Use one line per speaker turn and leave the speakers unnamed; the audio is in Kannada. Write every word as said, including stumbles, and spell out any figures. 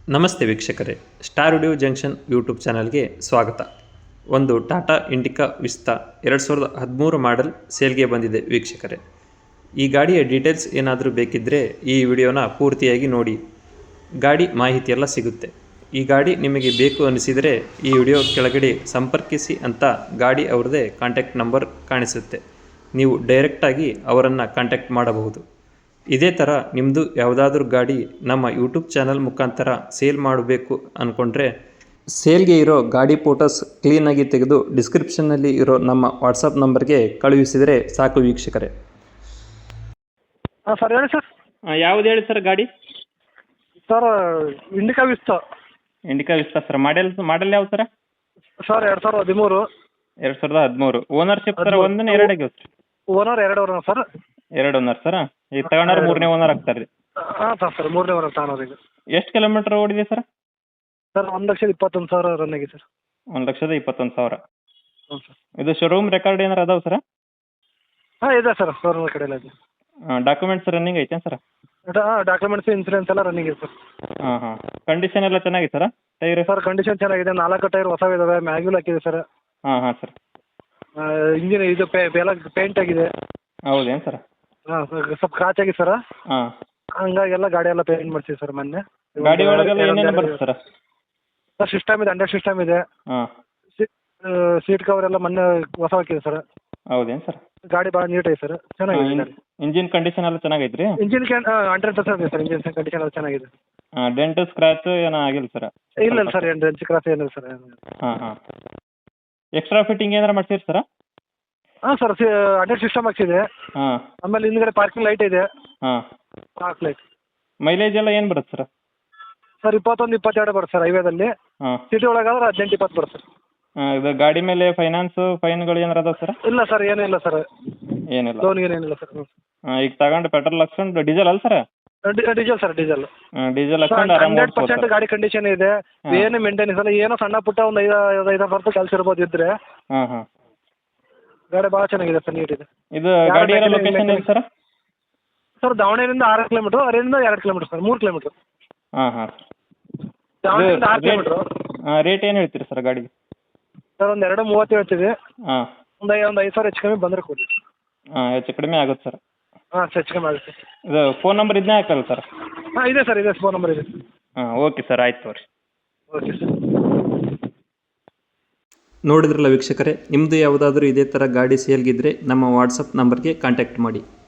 ನಮಸ್ತೆ ವೀಕ್ಷಕರೇ, ಸ್ಟಾರ್ ವಿಡಿಯೋ ಜಂಕ್ಷನ್ ಯೂಟ್ಯೂಬ್ ಚಾನಲ್ಗೆ ಸ್ವಾಗತ. ಒಂದು ಟಾಟಾ ಇಂಡಿಕಾ ವಿಸ್ತಾ ಎರಡು ಸಾವಿರದ ಹದಿಮೂರು ಮಾಡೆಲ್ ಸೇಲ್ಗೆ ಬಂದಿದೆ ವೀಕ್ಷಕರೇ. ಈ ಗಾಡಿಯ ಡೀಟೇಲ್ಸ್ ಏನಾದರೂ ಬೇಕಿದ್ದರೆ ಈ ವಿಡಿಯೋನ ಪೂರ್ತಿಯಾಗಿ ನೋಡಿ, ಗಾಡಿ ಮಾಹಿತಿಯೆಲ್ಲ ಸಿಗುತ್ತೆ. ಈ ಗಾಡಿ ನಿಮಗೆ ಬೇಕು ಅನಿಸಿದರೆ ಈ ವಿಡಿಯೋ ಕೆಳಗಡೆ ಸಂಪರ್ಕಿಸಿ ಅಂತ ಗಾಡಿ ಅವ್ರದ್ದೇ ಕಾಂಟ್ಯಾಕ್ಟ್ ನಂಬರ್ ಕಾಣಿಸುತ್ತೆ. ನೀವು ಡೈರೆಕ್ಟಾಗಿ ಅವರನ್ನು ಕಾಂಟ್ಯಾಕ್ಟ್ ಮಾಡಬಹುದು. ಇದೇ ಥರ ನಿಮ್ಮದು ಯಾವುದಾದ್ರೂ ಗಾಡಿ ನಮ್ಮ ಯೂಟ್ಯೂಬ್ ಚಾನಲ್ ಮುಖಾಂತರ ಸೇಲ್ ಮಾಡಬೇಕು ಅಂದ್ಕೊಂಡ್ರೆ ಸೇಲ್ಗೆ ಇರೋ ಗಾಡಿ ಫೋಟೋಸ್ ಕ್ಲೀನಾಗಿ ತೆಗೆದು ಡಿಸ್ಕ್ರಿಪ್ಷನ್ನಲ್ಲಿ ಇರೋ ನಮ್ಮ ವಾಟ್ಸಪ್ ನಂಬರ್ಗೆ ಕಳುಹಿಸಿದರೆ ಸಾಕು ವೀಕ್ಷಕರೇ.
ಹಾಂ ಸರ್ ಹೇಳಿ ಸರ್.
ಯಾವ್ದು ಹೇಳಿ ಸರ್ ಗಾಡಿ?
Sir Indica Vista.
Indica Vista sir. Model model ಯಾವ್ದು ಸರ್?
ಸರ್ ಎರಡು ಸಾವಿರದ ಹದಿಮೂರು.
ಎರಡು ಸಾವಿರದ ಹದಿಮೂರು. ಓನರ್ಶಿಪ್ ಸರ್ ಒಂದನೇ ಎರಡಾಗಿ ಸರ್?
ಓನರ್ ಎರಡು ಓನರ್ ಸರ್.
ಎರಡು ಓನರ್ ಸರ್. ಈಗ ತಗೊಂಡ್ರೆ ಮೂರನೇ ಓನರ್ ಆಗ್ತಾರೆ ರೀ?
ಹಾಂ ಸರ್ ಸರ್ ಮೂರನೇ ಓನರ್ ತಗೊಂಡ್ರೆ ಈಗ.
ಎಷ್ಟು ಕಿಲೋಮೀಟ್ರ್ ಓಡಿದೆ ಸರ್?
ಸರ್ ಒಂದು ಲಕ್ಷದ ಇಪ್ಪತ್ತೊಂದು ಸಾವಿರ ರನ್ ಆಗಿದೆ ಸರ್.
ಒಂದು ಲಕ್ಷದ ಇಪ್ಪತ್ತೊಂದು ಸಾವಿರ.
ಹ್ಞೂ ಸರ್.
ಇದು ಶೋರೂಮ್ ರೆಕಾರ್ಡ್ ಏನಾರು ಅದಾವೆ ಸರ್?
ಹಾಂ ಇದೆ ಸರ್, ಶೋರೂಮ್ ಕಡೆಯಲ್ಲ ಇದೆ.
ಡಾಕ್ಯುಮೆಂಟ್ಸ್ ರನ್ನಿಂಗ್ ಐತೆ ಸರ್?
ಹಾಂ ಡಾಕ್ಯುಮೆಂಟ್ಸ್ ಇನ್ಸೂರೆನ್ಸ್ ಎಲ್ಲ ರನ್ನಿಂಗ್ ಇದೆ ಸರ್.
ಹಾಂ ಹಾಂ. ಕಂಡೀಷನ್ ಎಲ್ಲ ಚೆನ್ನಾಗಿದೆ ಸರ್? ಟೈರ್
ಸರ್ ಕಂಡೀಷನ್ ಚೆನ್ನಾಗಿದೆ, ನಾಲ್ಕು ಟೈರ್ ಹೊಸ ಇದಾವೆ, ಮ್ಯಾಗ್ಯೂಲ್ ಹಾಕಿದೆ ಸರ್.
ಹಾಂ ಹಾಂ ಸರ್.
ಇಂಜಿನ್ ಇದು ಪೇ ಎಲ್ಲ ಪೇಂಟ್ ಆಗಿದೆ.
ಹೌದೇನು ಸರ್?
ಹಾಂ ಸರ್ ಸ್ವಲ್ಪ ಕ್ರಾಚ್ ಆಗಿದೆ ಸರ್.
ಹಾಂ.
ಹಂಗಾಗಿ ಎಲ್ಲ ಗಾಡಿ ಎಲ್ಲ ಪೇಂಟ್ ಮಾಡ್ತೀವಿ ಸರ್ ಮೊನ್ನೆ.
ಗಾಡಿ ಒಳಗೆಲ್ಲ ಏನೇನು ಬರುತ್ತೆ ಸರ್?
ಸರ್ ಸಿಸ್ಟಮ್ ಇದೆ, ಅಂಡರ್ ಸಿಸ್ಟಮ್ ಇದೆ.
ಹಾಂ.
ಸೀಟ್ ಕವರ್ ಎಲ್ಲ ಮೊನ್ನೆ ಹೊಸ ಹಾಕಿದೆ ಸರ್.
ಹೌದೇನು ಸರ್?
ಗಾಡಿ ಭಾಳ ನೀಟ್ ಐತೆ ಸರ್, ಚೆನ್ನಾಗಿದೆ ಗಾಡಿ.
ಇಂಜಿನ್ ಕಂಡೀಷನ್ ಎಲ್ಲ ಚೆನ್ನಾಗೈತೆ ರೀ?
ಇಂಜಿನ್ ಕ್ಯಾನ್ ಹಂಡ್ರೆಡ್ ಪರ್ಸೆಂಟ್ ಇದೆ ಸರ್, ಇಂಜಿನ್ ಕಂಡೀಷನ್ ಎಲ್ಲ ಚೆನ್ನಾಗಿದೆ.
ಹಾಂ. ಡೆಂಟ್ ಸ್ಕ್ರ್ಯಾಚ್ ಏನೂ ಆಗಿಲ್ಲ ಸರ್?
ಇಲ್ಲ ಇಲ್ಲ ಸರ್, ಏನು ಡೆಂಚ್ ಕ್ರಾಸ್ ಏನಿಲ್ಲ ಸರ್.
ಹಾಂ ಹಾಂ. ಎಕ್ಸ್ಟ್ರಾ ಫಿಟ್ಟಿಂಗ್ ಏನಾರು ಮಾಡ್ಸಿರಿ ಸರ್?
ಹಾಂ ಸರ್, ಅಂಡರ್ ಸಿಸ್ಟಮ್ ಹಾಕ್ಸಿದೆ.
ಹಾಂ.
ಆಮೇಲೆ ಹಿಂದ್ಗಡೆ ಪಾರ್ಕಿಂಗ್ ಲೈಟ್ ಇದೆ.
ಹಾಂ.
Park light.
ಮೈಲೇಜ್ ಎಲ್ಲ ಏನು ಬರುತ್ತೆ ಸರ್?
ಸರ್ ಇಪ್ಪತ್ತೊಂದು ಇಪ್ಪತ್ತೆರಡು ಬರುತ್ತೆ ಸರ್ ಹೈವೇದಲ್ಲಿ.
ಹಾಂ.
ಸಿಟಿ ಒಳಗಾದ್ರೆ ಹದಿನೆಂಟು ಇಪ್ಪತ್ತು ಬರುತ್ತೆ ಸರ್.
ಹಾಂ. ಇದು ಗಾಡಿ ಮೇಲೆ ಫೈನಾನ್ಸು ಫೈನ್ಗಳು ಏನಾರು ಅದಾವೆ ಸರ್?
ಇಲ್ಲ ಸರ್, ಏನಿಲ್ಲ ಸರ್.
ಏನಿಲ್ಲ.
ಲೋನ್ ಏನಿಲ್ಲ ಸರ್.
ಹಾಂ. ಈಗ ತಗೊಂಡು ಪೆಟ್ರೋಲ್ ಹಾಕ್ಸ್ಕೊಂಡು ಡೀಸೆಲ್ ಅಲ್ಲ ಸರ್?
Diesel sir, diesel.
ಹಾಂ. ಡೀಸೆಲ್ ಹಾಕ್ಸ್ಕೊಂಡು ಆರಾಮ
ಹಂಡ್ರೆಡ್ ಪರ್ಸೆಂಟ್ ಗಾಡಿ ಕಂಡೀಷನ್ ಇದೆ, ಏನು ಮೇಂಟೆನೆನ್ಸ್ ಇಲ್ಲ. ಏನೋ ಸಣ್ಣ ಪುಟ್ಟ ಒಂದು ಐದು ಐದು ಬರ್ತು ಕೆಲಸ ಇರ್ಬೋದು ಇದ್ರೆ.
ಹಾಂ ಹಾಂ.
ಗಾಡಿ ಭಾಳ ಚೆನ್ನಾಗಿದೆ ಸರ್, ನೀಟ್ ಇದೆ.
ಇದು ಗಾಡಿ ಇರೋ ಲೊಕೇಶನ್ ಎಲ್ಲಿ ಸರ್?
ಸರ್ ದಾವಣಗೆರೆಯಿಂದ ಆರು ಕಿಲೋಮೀಟ್ರು, ಅಲ್ಲಿಂದ ಎರಡು ಕಿಲೋಮೀಟ್ರ್ ಸರ್, ಮೂರು ಕಿಲೋಮೀಟ್ರು.
ಹಾಂ ಹಾಂ.
ದಾವಣಗೆರೆಯಿಂದ ಆರು ಕಿಲೋಮೀಟ್ರು.
ಹಾಂ. ರೇಟ್ ಏನು ಹೇಳ್ತೀರಿ ಸರ್ ಗಾಡಿಗೆ?
ಸರ್ ಒಂದು ಎರಡು ಮೂವತ್ತು ಹೇಳ್ತೀವಿ.
ಹಾಂ.
ಒಂದು ಐ ಒಂದು ಐದು ಸಾವಿರ ಹೆಚ್ಚು ಕಮ್ಮಿ ಬಂದರೆ ಕೊಡಿ.
ಹಾಂ. ಹೆಚ್ಚು ಕಡಿಮೆ ಆಗುತ್ತೆ ಸರ್?
ಹಾಂ ಹೆಚ್ಚು ಕಮ್ಮಿ ಆಗುತ್ತೆ.
ಇದು ಫೋನ್ ನಂಬರ್ ಇದನ್ನೇ ಹಾಕಲ್ಲ ಸರ್?
ಹಾಂ ಇದೆ ಸರ್, ಇದೆ ಫೋನ್ ನಂಬರ್ ಇದೆ.
ಹಾಂ. ಓಕೆ ಸರ್, ಆಯ್ತು ತೋರಿ.
Okay sir.
ನೋಡಿದ್ರಲ್ಲ ವೀಕ್ಷಕರೇ, ನಿಮ್ಮದು ಯಾವುದಾದ್ರೂ ಇದೇ ಥರ ಗಾಡಿ ಸೇಲ್ಗಿದ್ರೆ ನಮ್ಮ ವಾಟ್ಸಪ್ ನಂಬರ್ಗೆ ಕಾಂಟ್ಯಾಕ್ಟ್ ಮಾಡಿ.